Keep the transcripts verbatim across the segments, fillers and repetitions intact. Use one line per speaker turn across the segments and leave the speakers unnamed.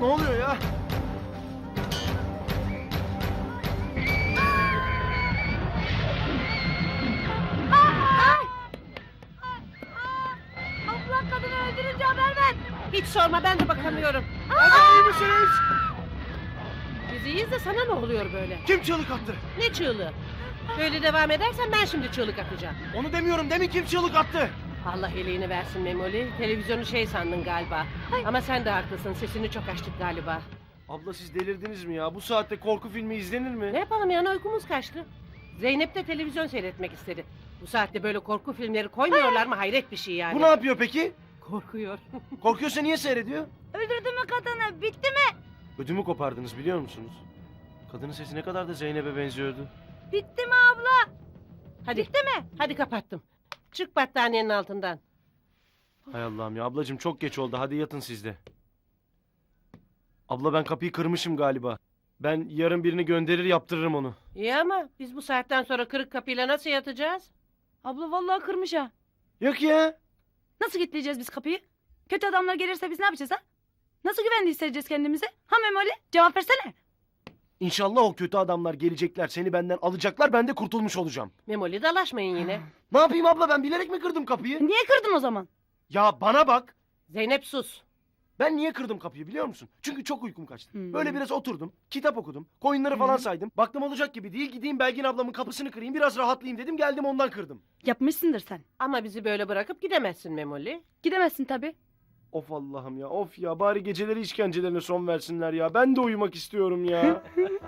Ne oluyor ya?
Abla kadını öldürünce haber ver.
Hiç sorma, ben de bakamıyorum.
Hadi iyi misiniz?
Biz iyiyiz de sana ne oluyor böyle?
Kim çığlık attı?
Ne çığlığı? Böyle devam edersen ben şimdi çığlık atacağım.
Onu demiyorum, demin kim çığlık attı?
Allah iyiliğini versin Memoli. Televizyonu şey sandın galiba. Ama sen de haklısın, sesini çok açtık galiba.
Abla siz delirdiniz mi ya? Bu saatte korku filmi izlenir mi?
Ne yapalım yani, uykumuz kaçtı. Zeynep de televizyon seyretmek istedi. Bu saatte böyle korku filmleri koymuyorlar mı? Hayret bir şey yani.
Bu ne yapıyor peki?
Korkuyor.
Korkuyorsa niye seyrediyor?
Öldürdü mü kadını? Bitti mi?
Ödümü kopardınız biliyor musunuz? Kadının sesi ne kadar da Zeynep'e benziyordu.
Bitti mi abla?
Hadi.
Bitti mi?
Hadi kapattım. Çık battaniyenin altından.
Hay Allah'ım ya, ablacığım çok geç oldu, hadi yatın siz de. Abla ben kapıyı kırmışım galiba. Ben yarın birini gönderir yaptırırım onu.
İyi ama biz bu saatten sonra kırık kapıyla nasıl yatacağız?
Abla vallahi kırmış ha.
Yok ya.
Nasıl kilitleyeceğiz biz kapıyı? Kötü adamlar gelirse biz ne yapacağız ha? Nasıl güvende hissedeceğiz kendimizi? Ha Memoli? Cevap versene.
İnşallah o kötü adamlar gelecekler, seni benden alacaklar, ben de kurtulmuş olacağım.
Memoli dalaşmayın yine.
Ne yapayım abla, ben bilerek mi kırdım kapıyı?
Niye kırdın o zaman?
Ya bana bak.
Zeynep sus.
Ben niye kırdım kapıyı biliyor musun? Çünkü çok uykum kaçtı.
Hmm.
Böyle biraz oturdum, kitap okudum, koyunları falan
Hı.
saydım. Baktım olacak gibi değil, gideyim Belgin ablamın kapısını kırayım, biraz rahatlayayım dedim, geldim ondan kırdım.
Yapmışsındır sen.
Ama bizi böyle bırakıp gidemezsin Memoli.
Gidemezsin tabii.
Of Allah'ım ya, of ya, bari geceleri işkencelerine son versinler ya. Ben de uyumak istiyorum ya.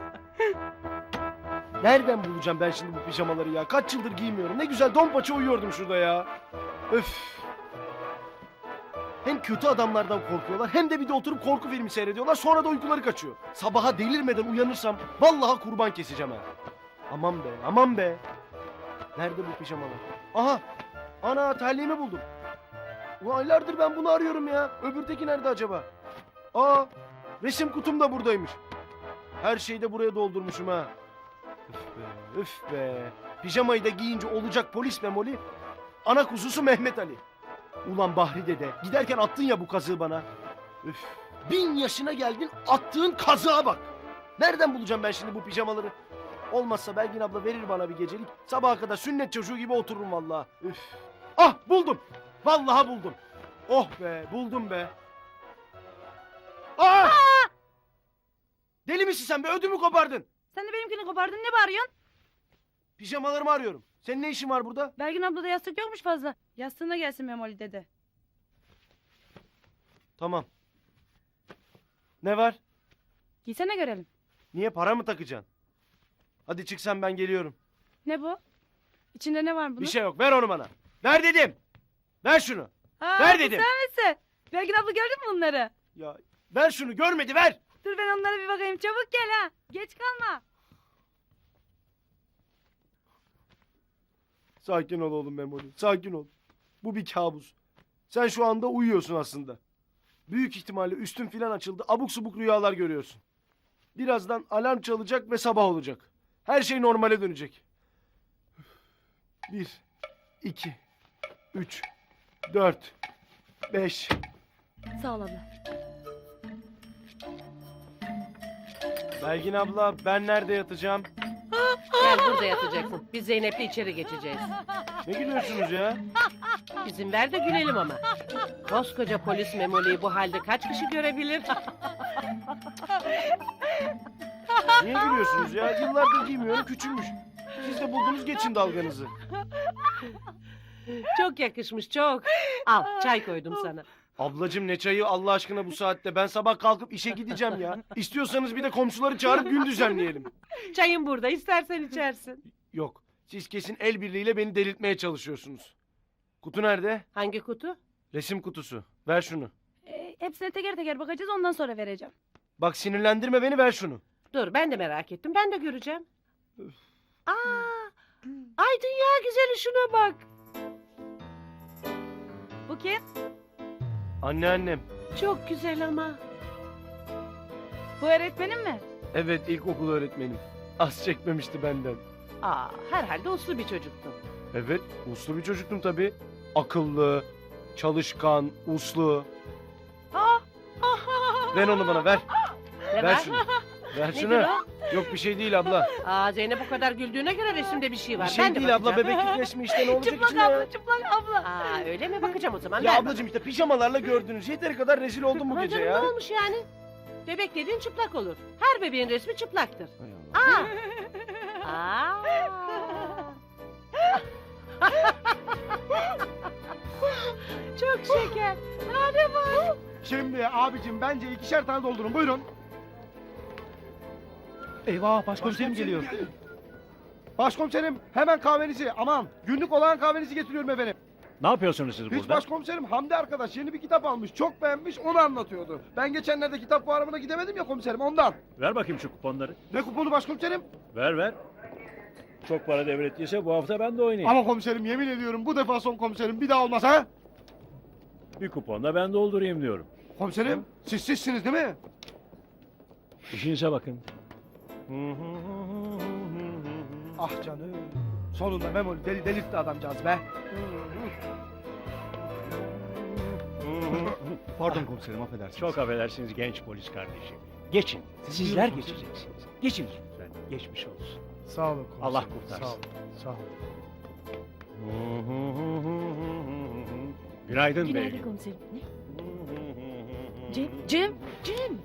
Nereden bulacağım ben şimdi bu pijamaları ya? Kaç yıldır giymiyorum. Ne güzel don paça uyuyordum şurada ya. Öf. Hem kötü adamlardan korkuyorlar, hem de bir de oturup korku filmi seyrediyorlar, sonra da uykuları kaçıyor. Sabaha delirmeden uyanırsam vallahi kurban keseceğim ha. Aman be, aman be. Nerede bu pijamalar? Aha! Ana, terliğimi buldum. Ulan aylardır ben bunu arıyorum ya. Öbürteki nerede acaba? Aa! Resim kutum da buradaymış. Her şeyi de buraya doldurmuşum ha. Üf be, üf be. Pijamayı da giyince olacak polis Memoli. Ana kuzusu Mehmet Ali. Ulan Bahri dede, giderken attın ya bu kazığı bana. Üf. Bin yaşına geldin, attığın kazığa bak. Nereden bulacağım ben şimdi bu pijamaları? Olmazsa Belgin abla verir bana bir gecelik. Sabaha kadar sünnet çocuğu gibi otururum vallahi. Üf. Ah, buldum. Vallahi buldum. Oh be, buldum be. Aa! Deli misin sen be, ödümü kopardın.
Sen de benimkini kopardın, ne bağırıyorsun?
Pijamalarımı arıyorum. Senin ne işin var burada?
Belgin ablada yastık yokmuş fazla. Yastığına gelsin Memoli dedi.
Tamam. Ne var?
Giysene görelim.
Niye, para mı takacaksın? Hadi çık sen, ben geliyorum.
Ne bu? İçinde ne var bunun?
Bir şey yok, ver onu bana. Ver dedim. Ver şunu.
Aa,
ver
bu
dedim.
Sen misin? Belgin abla gördün mü bunları?
Ya ver şunu, görmedi, ver.
Dur ben onlara bir bakayım. Çabuk gel ha. Geç kalma.
Sakin ol oğlum Memoli, sakin ol. Bu bir kabus. Sen şu anda uyuyorsun aslında. Büyük ihtimalle üstün filan açıldı, abuk subuk rüyalar görüyorsun. Birazdan alarm çalacak ve sabah olacak. Her şey normale dönecek. Bir, iki, üç, dört, beş.
Sağ ol abla.
Belgin abla, ben nerede yatacağım?
Gel, burada yatacaksın. Biz Zeynep'le içeri geçeceğiz.
Ne gülüyorsunuz ya?
İzin ver de gülelim ama. Koskoca polis Memoli'yi bu halde kaç kişi görebilir?
Niye gülüyorsunuz ya? Yıllardır giymiyorum, küçülmüş. Siz de buldunuz, geçin dalganızı.
Çok yakışmış, çok. Al, çay koydum sana.
Ablacığım ne çayı Allah aşkına bu saatte? Ben sabah kalkıp işe gideceğim ya. İstiyorsanız bir de komşuları çağırıp gün düzenleyelim.
Çayın burada, istersen içersin.
Yok, siz kesin el birliğiyle beni delirtmeye çalışıyorsunuz. Kutu nerede?
Hangi kutu?
Resim kutusu. Ver şunu.
Ee, hepsine teker teker bakacağız, ondan sonra vereceğim.
Bak sinirlendirme beni, ver şunu.
Dur, ben de merak ettim, ben de göreceğim. Aa, ay dünya güzeli, şuna bak.
Bu kim?
Anneannem.
Çok güzel ama.
Bu öğretmenin mi?
Evet, ilkokul öğretmenim. Az çekmemişti benden.
Aa, herhalde uslu bir çocuktun.
Evet, uslu bir çocuktum tabii. Akıllı, çalışkan, uslu.
Aa,
Ver onu bana ver.
Ne
Ver
var?
şunu. Ver
Nedir
şunu.
o?
Yok bir şey değil abla.
Aa, Zeynep bu kadar güldüğüne göre resimde bir şey var.
Bir şey
ben de
değil abla,
bakacağım.
bebeklik resmi işte, ne olacak
Çıplak
içinde ya?
abla, çıplak abla.
Aa, öyle mi? Bakacağım o zaman.
Ya
ver
ablacığım işte pijamalarla gördünüz. Yeteri kadar rezil oldum bu
bana.
gece
Ha canım,
ya.
ne olmuş yani? Bebek dediğin çıplak olur. Her bebeğin resmi çıplaktır.
Hay Allah.
Aa. Aa. Çok şeker. Hadi bak.
Şimdi abicim bence ikişer tane doldurun. Buyurun. Eyvah başkomiserim geliyor. Başkomiserim hemen kahvenizi, aman günlük olan kahvenizi getiriyorum efendim.
Ne yapıyorsunuz siz
Hiç
burada?
başkomiserim Hamdi arkadaş yeni bir kitap almış. Çok beğenmiş, onu anlatıyordu. Ben geçenlerde kitap fuarına gidemedim ya komiserim, ondan.
Ver bakayım şu kuponları.
Ne kuponu başkomiserim?
Ver ver. Çok para devrettiyse bu hafta ben de oynayayım.
Ama komiserim yemin ediyorum bu defa son komiserim, bir daha olmaz ha?
Bir kuponla ben doldurayım diyorum.
Komiserim siz sizsiniz değil mi?
İşinize bakın.
Ah canım. Sonunda Memoli deli delirtti adamcağız be. Pardon komiserim, affedersiniz.
Çok affedersiniz genç polis kardeşim. Geçin. Sizler geçeceksiniz. Geçin lütfen. Geçmiş olsun.
Sağ olun komiserim.
Allah kurtarsın.
Sağ olun. Sağ olun.
Günaydın,
Günaydın
beyim.
komiserim. Ne? Cem, Cem, Cem.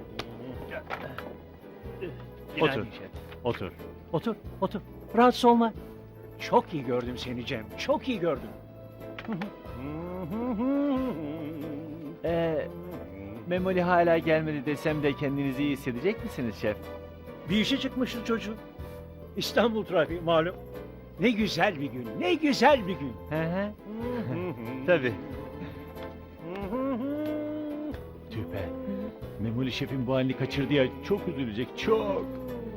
Otur. Otur. Otur. Otur. Rahatsız olma. Çok iyi gördüm seni Cem. Çok iyi gördüm.
Ee, Memoli hala gelmedi desem de kendinizi iyi hissedecek misiniz şef?
Bir işe çıkmıştı çocuğun. İstanbul trafiği malum. Ne güzel bir gün. Ne güzel bir gün.
Hı hı. Tabii. Tüh be. Memoli şefin bu halini kaçırdı ya, çok üzülecek, çok.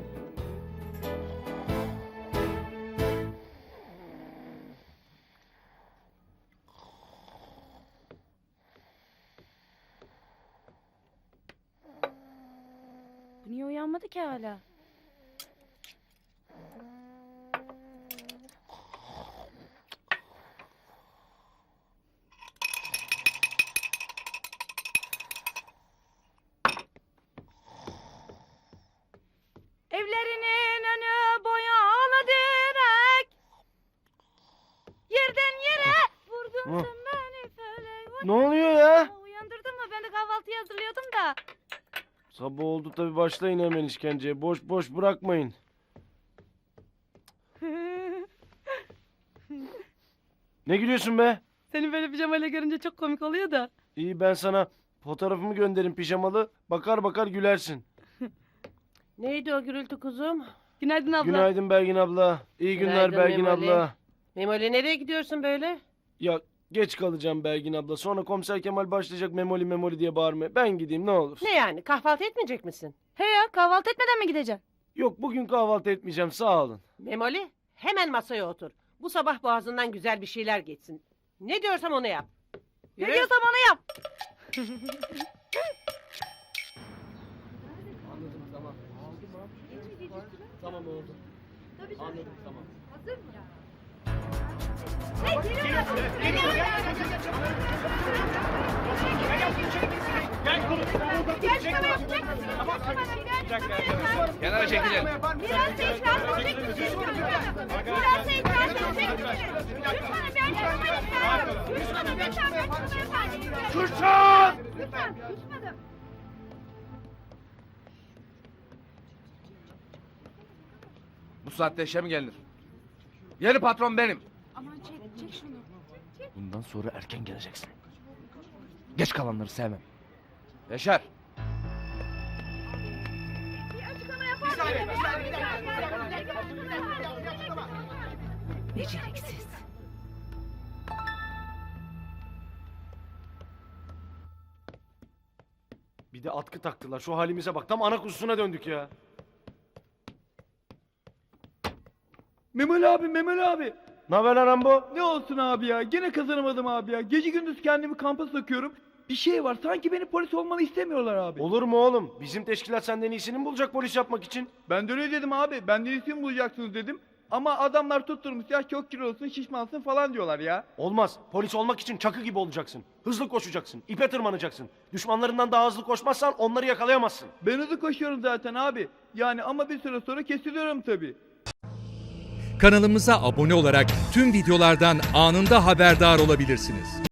Bu niye uyanmadı ki hala? Evlerinin önü boyalı direk. Yerden yere vurdun
Hı.
sen beni felek.
Ne oluyor ya?
Aa, uyandırdın mı? Ben de kahvaltıyı hazırlıyordum da.
Sabah oldu tabii, başlayın hemen işkenceye. Boş boş bırakmayın. Ne gülüyorsun be?
Seni böyle pijamayla görünce çok komik oluyor da.
İyi, ben sana fotoğrafımı gönderin pijamalı. Bakar bakar gülersin.
Neydi o gürültü kuzum?
Günaydın abla.
Günaydın Belgin abla. İyi günler
Günaydın
Belgin
Memoli.
abla.
Memoli nereye gidiyorsun böyle?
Ya geç kalacağım Belgin abla. Sonra komiser Kemal başlayacak memoli memoli diye bağırmaya. Ben gideyim ne olur.
Ne yani, kahvaltı etmeyecek misin?
He ya, kahvaltı etmeden mi gideceksin?
Yok, bugün kahvaltı etmeyeceğim, sağ olun.
Memoli, hemen masaya otur. Bu sabah boğazından güzel bir şeyler geçsin. Ne diyorsam onu yap.
Ne
Yürü.
diyorsam onu yap.
Anladım, tamam. Tamam oldu. Anladım, tamam.
Kenara çekilin.
Biraz itiraz edecek misiniz? Biraz itiraz edecek misiniz? Lütfen ben yapmayı istiyorum. Lütfen lütfen ben bunu efendim.
Kürşat!
Lütfen susmadım.
Bu saatte işe mi gelinir? Yeni patron benim.
Aman çek, çek şunu.
Bundan sonra erken geleceksin. Geç kalanları sevmem. Yaşar.
Bir açıklama yapar mısın?
Beceriksiz.
Bir de atkı taktılar. Şu halimize bak. Tam ana kuzusuna döndük ya.
Memoli abi, Memoli abi.
Ne haber lan Rambo?
Ne olsun abi ya, gene kazanamadım abi ya. Gece gündüz kendimi kampa sokuyorum. Bir şey var, sanki beni polis olmanı istemiyorlar abi.
Olur mu oğlum? Bizim teşkilat senden iyisini mi bulacak polis yapmak için?
Ben de öyle dedim abi, benden iyisini bulacaksınız dedim.
Ama adamlar tutturmuş ya çok kilolusun şişmansın falan diyorlar ya.
Olmaz. Polis olmak için Çakı gibi olacaksın. Hızlı koşacaksın. İpe tırmanacaksın. Düşmanlarından daha hızlı koşmazsan onları yakalayamazsın.
Ben hızlı koşuyorum zaten abi. Yani ama bir süre sonra kesiliyorum tabii.
Kanalımıza abone olarak tüm videolardan anında haberdar olabilirsiniz.